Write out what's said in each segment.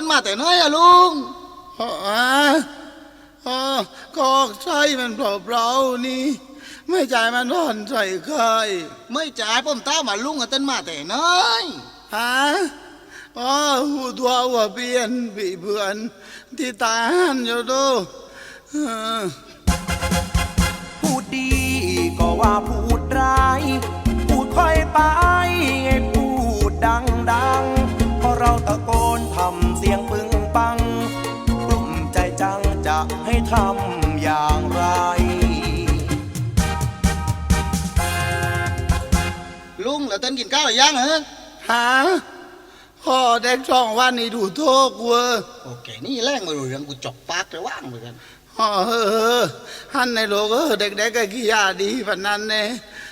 มาแต่น้อยอะลุงอ๋อก็ใช่มันเปล่าๆนี่ไม่จ่ายมันนอนใส่ใครไม่จ่ายผมต้ามาลุงอะเต้นมาแต่น้อยฮะอ๋อหูตัวว่าเปลี่ยนปีเพื่อนที่ตายหันอยู่ดูพูดดีก็ว่าพูดร้ายพูดค่อยไปให้พูดดังเพราะเราตะโกนทำเสียงปึงปังกลุ้มใจจังจะให้ทำอย่างไรลุงแล้วเต้นกินข้าวหรือยังเหรอฮะพ่อเด็กช่องวันนี้ดูโทษกูโอเคนี่แรงมาดูเรื่องกูจบปากเลยว่างเหมือนกันฮันในโลกเด็กๆก็ขี้ยาดีพันนั้นเน่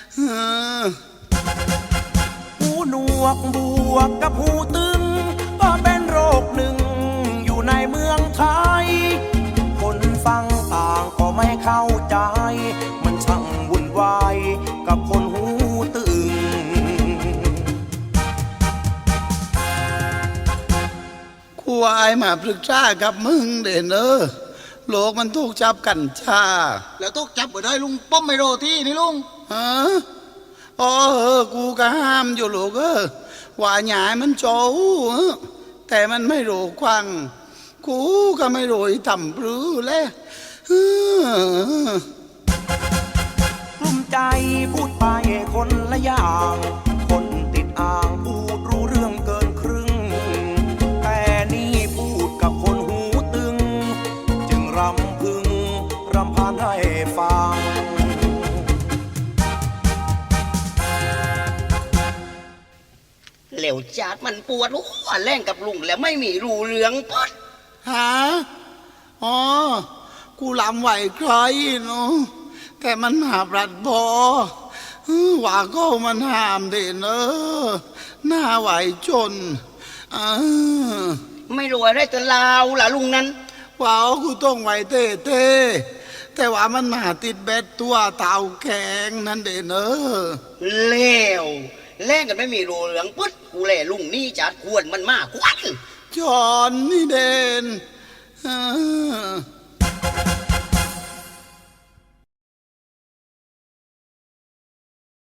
หูหนวกบวกกับหูตึงก็เป็นโรคหนึ่งอยู่ในเมืองไทยคนฟังต่างก็ไม่เข้าใจมันช่างวุ่นวายกับคนหูตึงกูวายมาปรึกษากับมึงเด่นโลกมันถูกจับกันชาแล้วต้องจับไปได้ลุงป้อมไมโรที่นี่ลุงอ๋อกูก็ห้ามอยู่ลูกว่าหยายมันโจแต่มันไม่รู้ควังกูก็ไม่รู้ทำปรือเลยกลุ้มใจพูดไปคนละอย่างคนติดอ่างพูดรู้เรื่องเกินครึ่งแต่นี่พูดกับคนหูตึงจึงรำพึงรำพันให้ฟังเหลวจัดมันปวดหัวแรงกับลุงแล้วไม่มีรูเรืองปดฮะอ๋อกูลำไหวใครเนาะแต่มันหาปรัดบอว่าก็มันห้ามเด่นหน้าไหวจนไม่รู้อะไรจะลาวล่ะลุงนั้นว่ากูต้องไหวเต้แต่ว่ามันมาติดเบ็ดตัวเต่าแข็งนั่นเด่นเลวแรงกันไม่มีรูเรืองปดกูแล่ลุงนี่จัดควรมันมากควันจอนนี่เด่น